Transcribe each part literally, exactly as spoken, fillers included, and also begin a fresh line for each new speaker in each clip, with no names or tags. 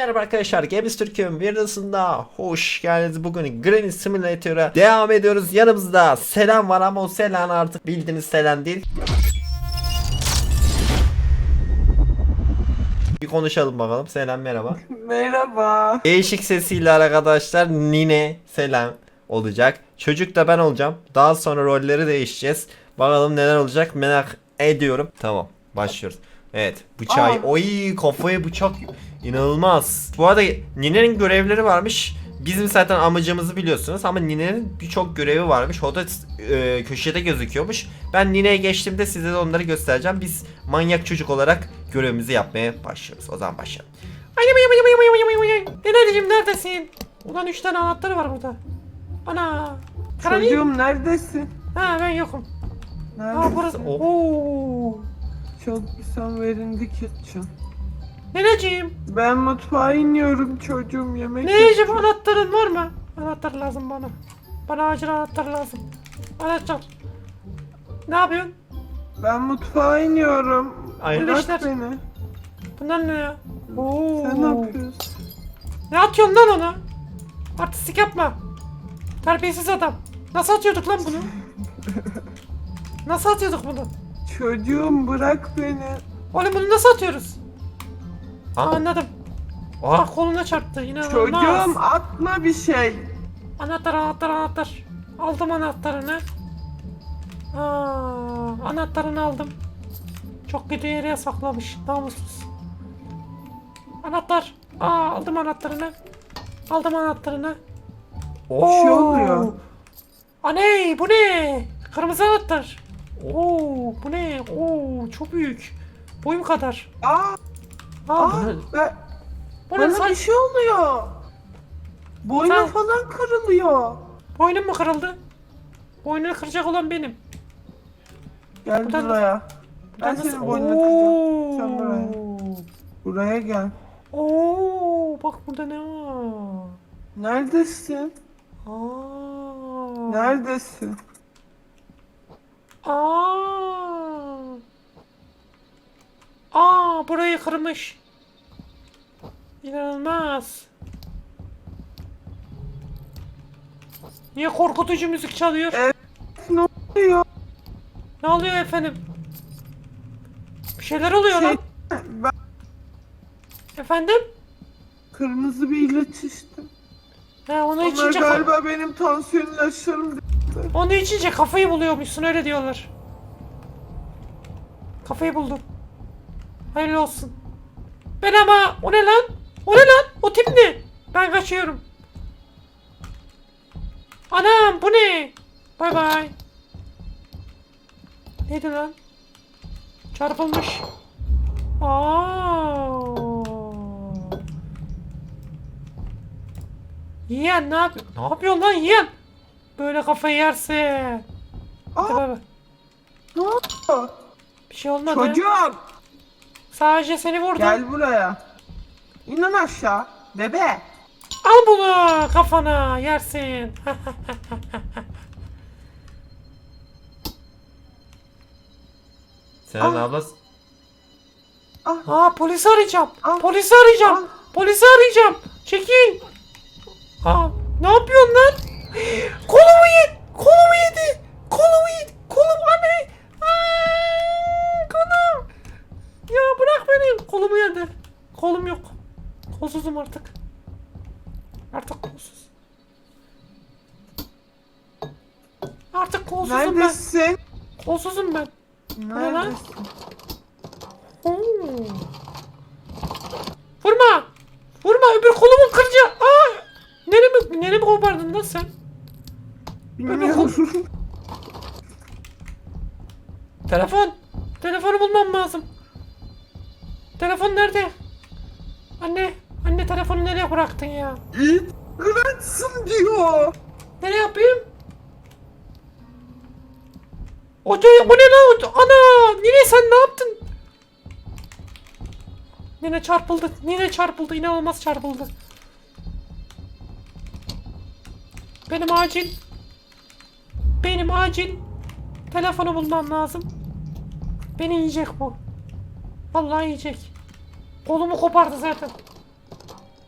Merhaba arkadaşlar, Games Türkiye'nin bir arasında hoş geldiniz. Bugün Granny Simulator'a devam ediyoruz. Yanımızda Selen var ama o Selen artık bildiğiniz Selen değil. Bir konuşalım bakalım. Selen merhaba.
Merhaba.
Değişik sesiyle arkadaşlar Nine Selen olacak. Çocuk da ben olacağım. Daha sonra rolleri değişeceğiz. Bakalım neler olacak merak ediyorum. Tamam, başlıyoruz. Evet, bıçağı.
Aa.
Oy, kafaya bıçak. İnanılmaz. Bu arada Nine'nin görevleri varmış. Bizim zaten amacımızı biliyorsunuz ama Nine'nin birçok görevi varmış. O da e, köşede gözüküyormuş. Ben Nine'ye geçtiğimde size de onları göstereceğim. Biz manyak çocuk olarak görevimizi yapmaya başlıyoruz. O zaman başlayalım. Nineciğim neredesin? Ulan üç tane anahtarı var burada. Ana.
Çocuğum neredesin?
Ha, ben yokum.
Neredesin?
Ha, burası. Oo.
Çok sen verindi kitchen.
Nineciğim.
Ben mutfağa iniyorum çocuğum yemek
Nineciğim,
yapacağım.
anahtarın var mı? Anahtar lazım bana. Bana acil anahtar lazım. Anahtar. Ne yapıyorsun?
Ben mutfağa iniyorum.
Hayırlı
Bırak
işler.
beni.
Bunlar ne ya? Oo.
Sen ne yapıyorsun?
Ne atıyorsun lan ona? Artistik yapma. Terbiyesiz adam. Nasıl atıyorduk lan bunu? Nasıl atıyorduk bunu?
Çocuğum bırak beni.
Oğlum bunu nasıl atıyoruz? Aa, anladım. Ah, koluna çarptı. İnanılmaz.
Çocuğum atma bir şey.
Anahtar, anahtar, anahtar. Aldım anahtarını. Aa, anahtarını aldım. Çok kötü yere saklamış. Namussuz. Anahtar. Aa, aldım anahtarını. Aldım anahtarını.
Bir şey oluyor.
Aney, bu ne? Kırmızı anahtar. Oo, bu ne? Oo, çok büyük. Boyum kadar.
Aa,
Aa,
aa,
bunu,
ben,
bunu
bana
sen-
bir şey oluyor. Boynum
Sen-
falan kırılıyor.
boynum mu kırıldı? Boynunu kıracak olan benim.
Gel
Buradan-
buraya. Ben
Nasıl-
senin boynunu kıracağım. Sen
Oo.
buraya. Buraya gel.
Oo, bak burada ne var?
Neredesin?
Aa.
Neredesin?
Aa. Aa, burayı kırmış. İnanılmaz. Niye korkutucu müzik çalıyor?
Evet, ne oluyor?
Ne oluyor efendim? Bir şeyler oluyor
Şey,
lan.
ben
Efendim?
kırmızı bir ilaç içtim.
Ha, onu
Onlar
içince
galiba benim tansiyon ilaçlarım.
onu içince kafayı buluyormuşsun, öyle diyorlar. Kafayı buldum. Hayırlı olsun. Ben ama o ne lan? O ne lan? O tip ne? Ben kaçıyorum. Anam, bu ne? Bay bay. Neydi lan? Çarpılmış. Aa. Yiyen ne yapıyor? Ne yapıyorsun lan yiyen? Böyle kafayı yerse. Hadi
Aa,
bay bay.
ne oldu?
Bir şey olmadı.
Çocuğum
Sadece seni vurdum.
gel buraya. İnin aşağı. Bebe.
Al bunu kafana, yersin. Sen
Al.
abla.
Ah,
Aa, polisi arayacağım.
Al.
Polisi arayacağım.
Al.
Polisi arayacağım. Çekil. Aa, ne yapıyorsun lan? Kolumu yedi. Kolumu yedi. Kolumu yedi. Kolum anne. Aa, kolum. Ya bırak beni. Kolumu yedi. Kolum yok. Kolsuzum artık. Artık kolsuz. Artık kolsuzum ben.
neredesin?
Kolsuzum ben. ne lan?
Neredesin?
Oo. Vurma! Vurma, öbür kolumu kıracağım. Aa! Neremi, neremi kopardın lan sen?
Bilmiyorum.
Telefon! Telefonu bulmam lazım. Telefon nerede? Anne, anne telefonu nereye bıraktın ya?
İt kıratsın diyor.
Nereye yapayım? O, o ne lan? O- Ana! Nine sen ne yaptın? Nine çarpıldı. Nine çarpıldı. İnanılmaz çarpıldı. Benim acil. Benim acil. Telefonu bulmam lazım. Beni yiyecek bu. Vallahi yiyecek. Kolumu kopardı zaten.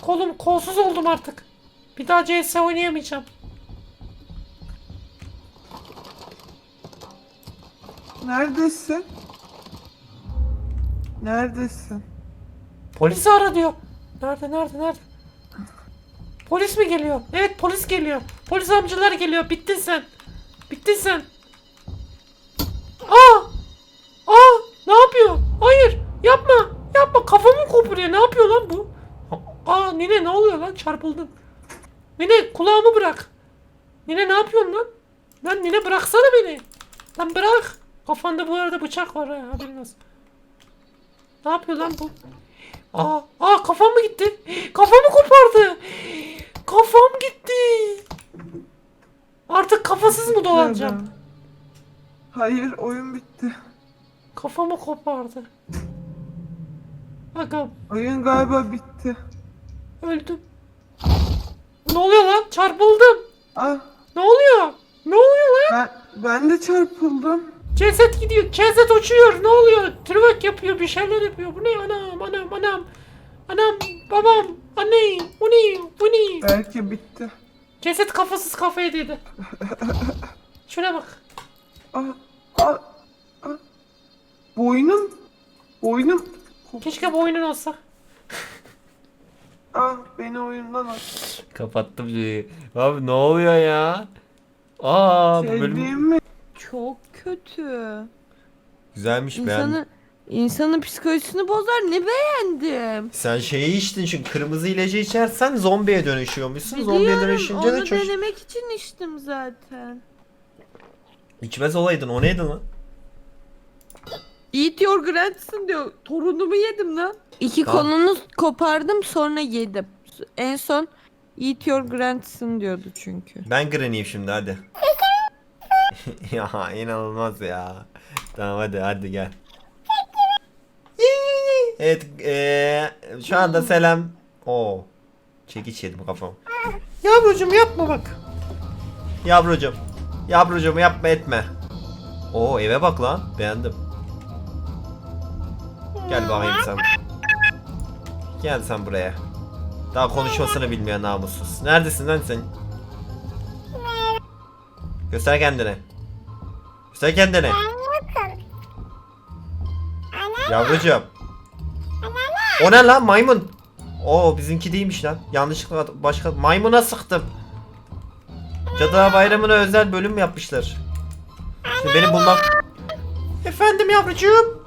kolum kolsuz oldum artık. Bir daha C S oynayamayacağım.
Neredesin? Neredesin?
Polisi ara diyor. Nerede nerede nerede? Polis mi geliyor? Evet polis geliyor. Polis amcalar geliyor. Bittin sen. Bittin sen. Aa! Aa! Ne yapıyor? Hayır! Yapma! Yapma! Kafamı koparıyor. Ne yapıyor lan bu? Aa Nine ne oluyor lan? Çarpıldım. Nine kulağımı bırak. Nine ne yapıyorsun lan? Lan Nine bıraksana beni. Lan bırak. Kafanda bu arada bıçak var ha. Haberin olsun. Ne yapıyor lan bu? Aa, aa kafam mı gitti? Kafamı kopardı. Kafam gitti. Artık kafasız mı dolanacağım?
Hayır, oyun bitti.
Kafamı kopardı. Agam
Oyun galiba bitti.
öldüm. Ne oluyor lan? Çarpıldım.
Ah,
Ne oluyor? Ne oluyor lan?
ben, ben de çarpıldım.
Ceset gidiyor. Ceset uçuyor. Ne oluyor? Twerk yapıyor. Bir şeyler yapıyor. Bu ne? Anam anam anam. Anam babam. Anne. Bu ne? Bu ne?
Belki bitti.
Ceset kafasız kafaya dedi. Şuna bak.
Ah, ah, ah. Boynum. Boynum.
Keşke bu oyunun olsa.
Ah, beni oyundan at.
Kapattım şeyi. Abi ne oluyor ya? Aa bu
Şey
bölüm
diyeyim mi?
Çok kötü.
güzelmiş ben.
İnsanı, insanın psikolojisini bozar. Ne beğendim.
Sen şeyi içtin çünkü kırmızı ilacı içersen zombiye dönüşüyormuşsun. Zombiye
Biliyorum,
dönüşünce de
onu
çocuk...
denemek için içtim zaten.
İçmez olaydın o neydi lan?
Eat your grandson diyor. Torunumu yedim lan. İki
Tamam.
kolunu kopardım sonra yedim. En son eat your grandson diyordu çünkü.
Ben Granny'yim şimdi hadi. Ya inanılmaz ya. Tamam hadi hadi gel. Evet eee şu anda selam. Oo. Çekiç yedim kafam.
Yavrucuğum yapma bak.
Yavrucum. Yavrucum yapma etme. Oo eve bak lan. Beğendim. Gel bakayım sen. Gel sen buraya. Daha konuşmasını bilmeyen namussuz. Neredesin lan sen? Göster kendini. Göster kendini. Yavrucuğum. O ne lan maymun? Oo bizimki değilmiş lan. Yanlışlıkla başka maymuna sıktım. Cadılar Bayramı'na özel bölüm yapmışlar. Şimdi beni bulmak...
Efendim yavrucuğum.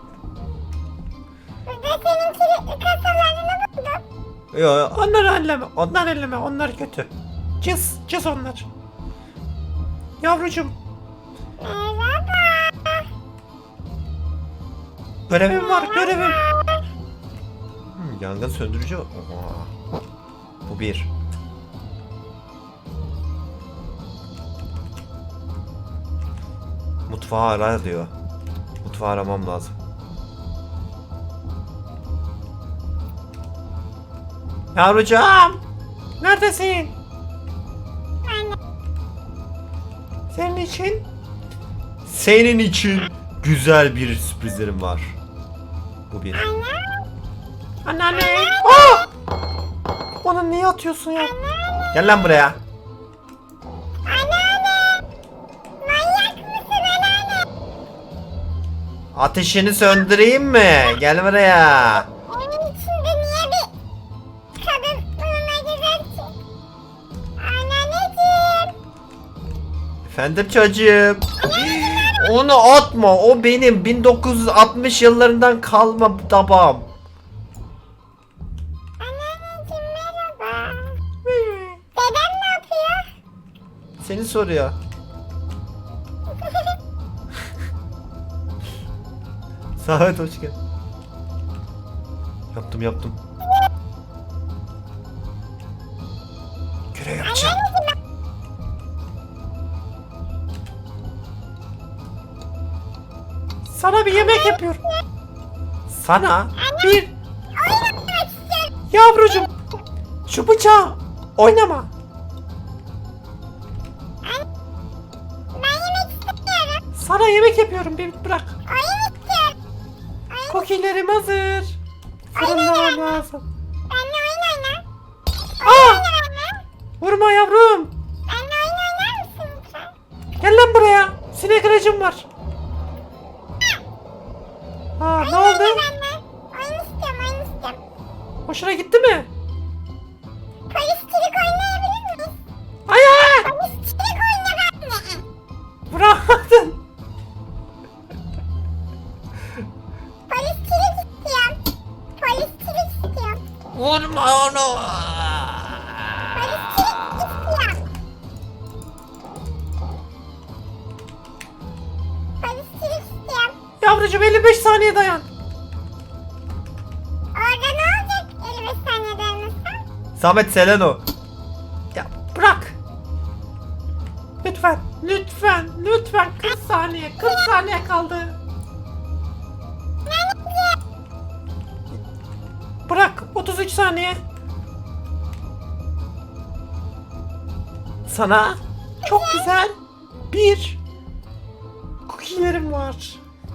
Yo, yo.
Onları elleme. Onlar elleme. Onlar kötü. Cız. Cız onlar. Yavrucuğum. Görevim var. Görevim.
Hmm, yangın söndürücü. Oha. Bu bir. Mutfağı ara diyor. Mutfağı aramam lazım.
Yavrucuğum. Neredesin? Senin için.
Senin için güzel bir sürprizlerim var. Bu bir.
Anneanne. Aa! Bana niye atıyorsun ya?
Gel lan buraya. Ateşini söndüreyim mi? Gel buraya.
Onun içinde niye bir kadın bulunacak ki? Anneanneciğim.
Efendim çocuğum. Onu atma. O benim bin dokuz yüz altmış yıllarından kalma tabağım.
Anneanneciğim merhaba. Dedem ne yapıyor?
Seni soruyor. Samet hoş geldin. Yaptım yaptım. Görev yapacağım.
Sana bir yemek yapıyorum. Sana bir... Yavrucuğum. Şu bıçağı oynama.
Ben yemek istemiyorum.
Sana yemek yapıyorum. Bir bırak.
Oyun istiyorum.
Kokilerim hazır. Fırınlamam lazım.
Benimle oyun oyna.
Vurma yavrum.
Benimle oyun oynar mısın lütfen?
Gel lan buraya. Sinek ilacım var. Ha ne oldu?
Benimle. Oyun istiyorum, oyun istiyorum.
Hoşuna gitti mi?
Polisçilik oynayabilir miyiz?
Hayır.
Polisçilik oyna benimle.
Bırakmadın.
Polisçilik istiyorum. Polisçilik istiyorum.
Vurma onu.
Polisçilik istiyorum. Polisçilik istiyorum.
Yavrucuğum elli beş saniye dayan.
Orada ne olacak elli beş saniye dayanırsan?
Samet Seleno.
Ya bırak. Lütfen. Lütfen. Lütfen. kırk saniye. kırk saniye kaldı. Bırak. otuz üç saniye. Sana çok güzel bir cookie'lerim var.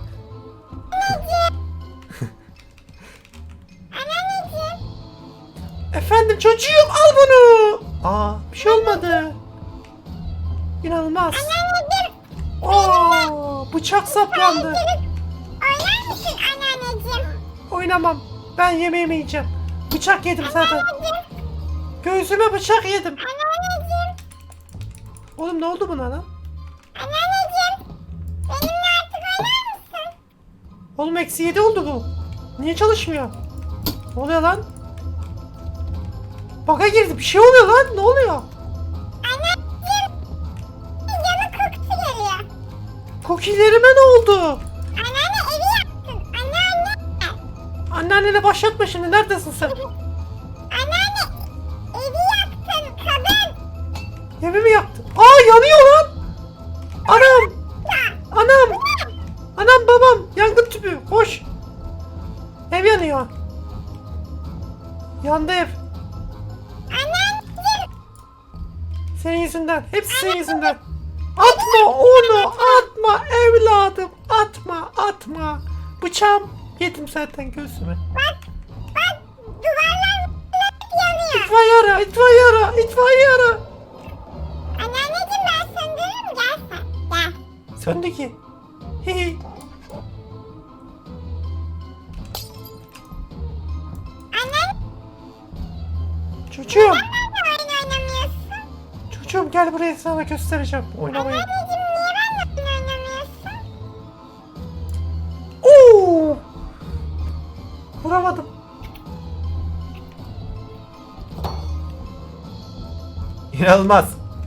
Anneanneciğim.
Efendim çocuğum al bunu. Aa bir şey olmadı. İnanılmaz.
Anneanneciğim.
Oo bıçak saplandı.
Polisçilik oynar mısın anneanneciğim?
Oynamam. Ben yemeğimi yiyeceğim. Bıçak yedim zaten.
Anneanneciğim.
Göğsüme bıçak yedim.
Anneanneciğim.
Oğlum ne oldu buna lan?
Anneanneciğim. Benimle artık oynar mısın?
Oğlum eksi yedi oldu bu. Niye çalışmıyor? Ne oluyor lan? Baka girdi. Bir şey oluyor lan. Ne oluyor?
Anneanneciğim. Canı kokusu geliyor.
Cookie'lerime ne oldu?
Anneanne evi yaktın. Anneanne.
Anneannene başlatma şimdi. Neredesin sen?
Anneanne evi yaktın kadın.
Evimi yaktın. Aa yanıyor lan. Anam. Anam. Anam babam. Yangın tüpü. Koş. Ev yanıyor. Yandı ev.
Anneanneciğim.
Senin yüzünden. Hepsi senin yüzünden. Atma onu. Atma evladım. Atma. Atma. Bıçağım yedim zaten göğsüme.
Bak bak duvarlar hep yanıyor.
İtfaiye ara. İtfaiye ara. İtfaiye ara.
Anneanneciğim ben söndürürüm gel sen. Gel.
Söndü ki. Hihi.
Anneanne
Çocuğum.
neden oyun oynamıyorsun?
Çocuğum gel buraya sana göstereceğim. Oynamayı.
Anneciğim niye benimle oyun oynamıyorsun?
Oo! Vuramadım.
İnanılmaz.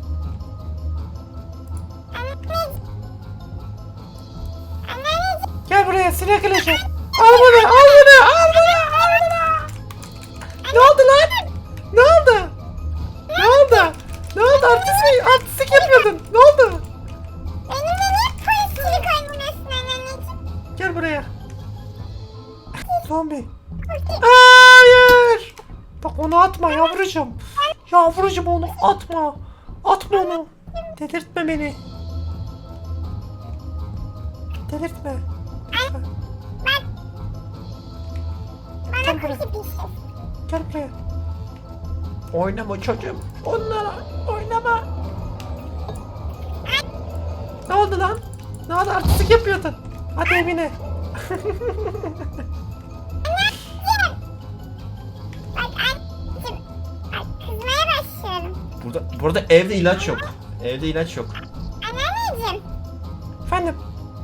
Anneciğim. Anneanneciğim.
Gel buraya sinek ilacı. Al bunu, al bunu, al bunu, al bunu. Ne oldu lan? Ne oldu? Ne oldu? Ne oldu? Artistik, artistik yapıyordun. Ne oldu?
Benimle niye polisçilik oynamıyorsun anneciğim?
Gel buraya. Zombi. Hayır. Bak onu atma yavrucuğum. Yavrucuğum onu atma. Atma onu. Delirtme beni. Delirtme. Lütfen.
Bana
Gel buraya.
kutu bir şey.
Gel buraya. Oynama çocuğum. Onlara oynama. Ne oldu lan? Ne oldu? Artistik yapıyordun. Hadi evine.
Bak anneciğim. Bak kızmaya başlıyorum.
Burada burada evde ilaç yok. Evde ilaç yok.
Anneanneciğim.
Efendim.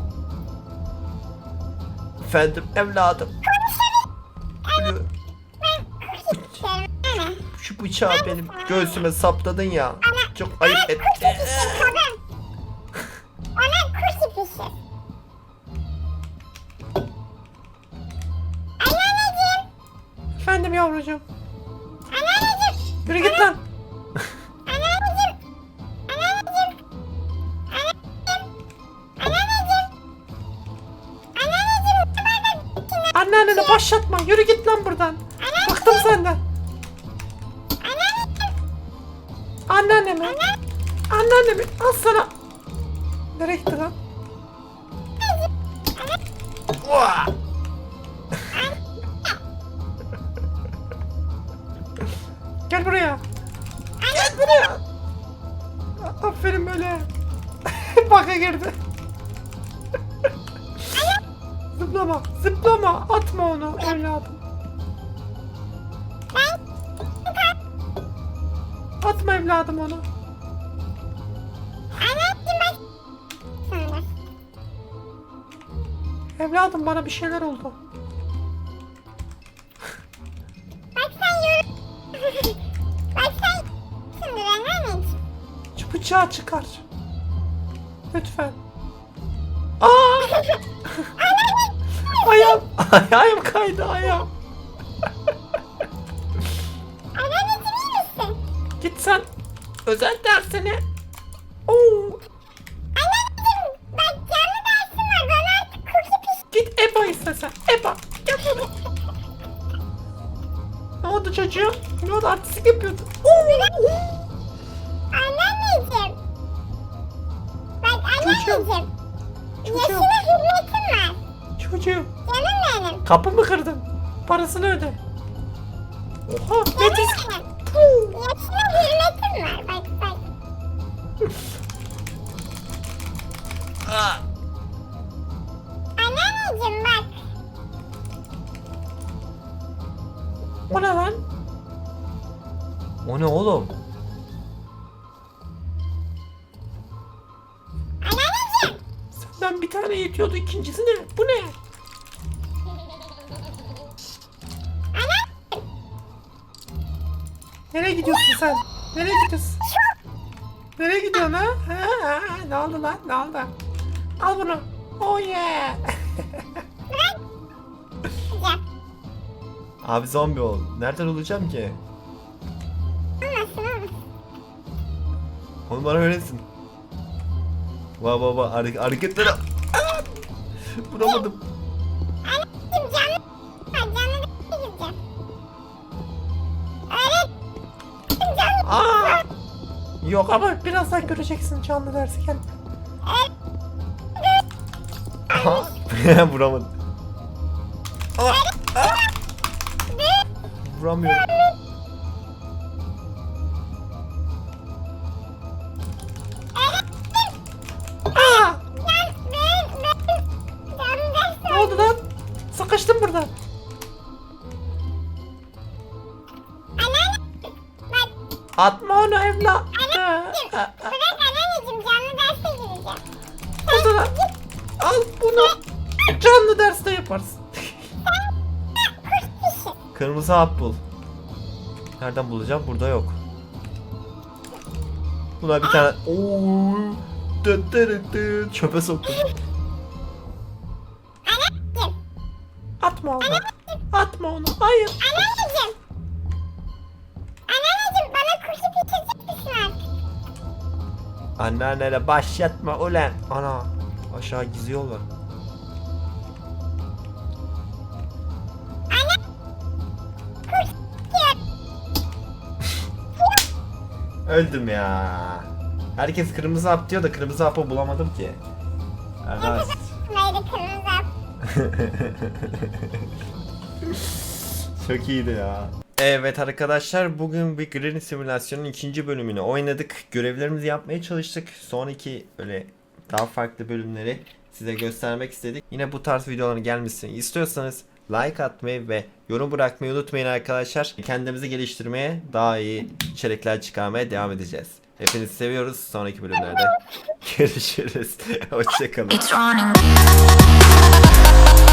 Efendim evladım. Şu,
Ben kutu istiyorum anne.
şu bıçağı benim göğsüme sapladın ya. Çok ayıp
Kutu
ettin.
pişir kadın. Ona kutu pişir. Anneanneciğim.
Efendim yavrucuğum.
Anneanneciğim.
Yürü git lan.
Anneanneciğim. Anneanneciğim. Anneanneciğim. Anneanneciğim. Anneanneciğim. Bardak içine.
Anneanneni başlatma. Yürü git lan buradan. Bıktım senden. Anneannemi. Anneannemi. Al sana. Nereye gitti lan?
Uah!
Gel buraya.
Gel
Gel buraya. Aferin böyle. Baka girdi. Zıplama, zıplama. Atma onu evladım. Atma evladım onu.
Anneciğim bak. Sonra.
Evladım bana bir şeyler oldu.
Bak sen yorum. Bak sen. Şimdi ben anneciğim.
Şu bıçağı çıkar. Lütfen. Aa! ayağım, ayağım kaydı ayağım.
Anneciğim iyi misin?
Git sen özel dersine. Oo,
Anneciğim bak canlı dersim var. Bana artık cookie piş.
git Eba istesen. Eba. Gel bunu. Ne oldu çocuğum? Ne oldu artistik yapıyordun? Oo, oo.
Anneciğim. Bak anneciğim.
Çocuğum.
Yaşına hürmetim var.
Çocuğum.
Canım benim.
Kapı mı kırdın? Parasını öde. Oha. Ne diz?
Canım benim. Yaşına hürmetim var. Bak bak. Anneciğim bak.
O ne lan?
O ne oğlum?
Anneciğim.
Senden bir tane yetiyordu, ikincisi ne? Bu ne? Nereye gidiyorsun sen? Nereye gidiyorsun? Nereye gidiyorsun ha? Ha, ha, ha. Ne oldu lan? Ne oldu? Al bunu. Oh yeah.
Abi zombi ol. Nereden olacağım ki?
Olmasın olmasın.
Onu bana öğretsin. Va va va hare- hareketleri. Aa! Vuramadım.
Anneciğim canlı. Bak canlı derse gireceğim. Öğretmenim canlı.
Aa! Yok ama birazdan göreceksin canlı dersi gel.
Aha. Vuramadım. Aa! Aa! Vuramıyorum.
Aa!
Ben, ben, ben canlı dersi
Ne oldu lan? Sıkıştım burada.
Anneanne. Bak
Atma onu evlat.
bırak anneciğim canlı derse gireceğim.
O zaman al bunu. Canlı derste yaparsın.
Kırmızı hap bul. Nereden bulacağım? Burada yok. Buna bir tane... Oo. Dı dı dı. Çöpe soktum.
Anneciğim.
Atma onu. Atma onu. Hayır.
Anneciğim. Anneciğim bana kursu bitirecek misin artık?
Anneannene başlatma ulan. Ana. Aşağı gizli yol var. Öldüm ya. Herkes kırmızı hap diyor da kırmızı hapı bulamadım ki. Arkadaş.
Böyle kırmızı hap.
Çok iyiydi ya. Evet arkadaşlar, bugün bir Granny simülasyonun ikinci bölümünü oynadık. Görevlerimizi yapmaya çalıştık. Sonraki böyle daha farklı bölümleri size göstermek istedik. Yine bu tarz videoların gelmesini istiyorsanız like atmayı ve yorum bırakmayı unutmayın arkadaşlar. Kendimizi geliştirmeye, daha iyi içerikler çıkarmaya devam edeceğiz. Hepinizi seviyoruz. Sonraki bölümlerde görüşürüz. Hoşçakalın.
It's running.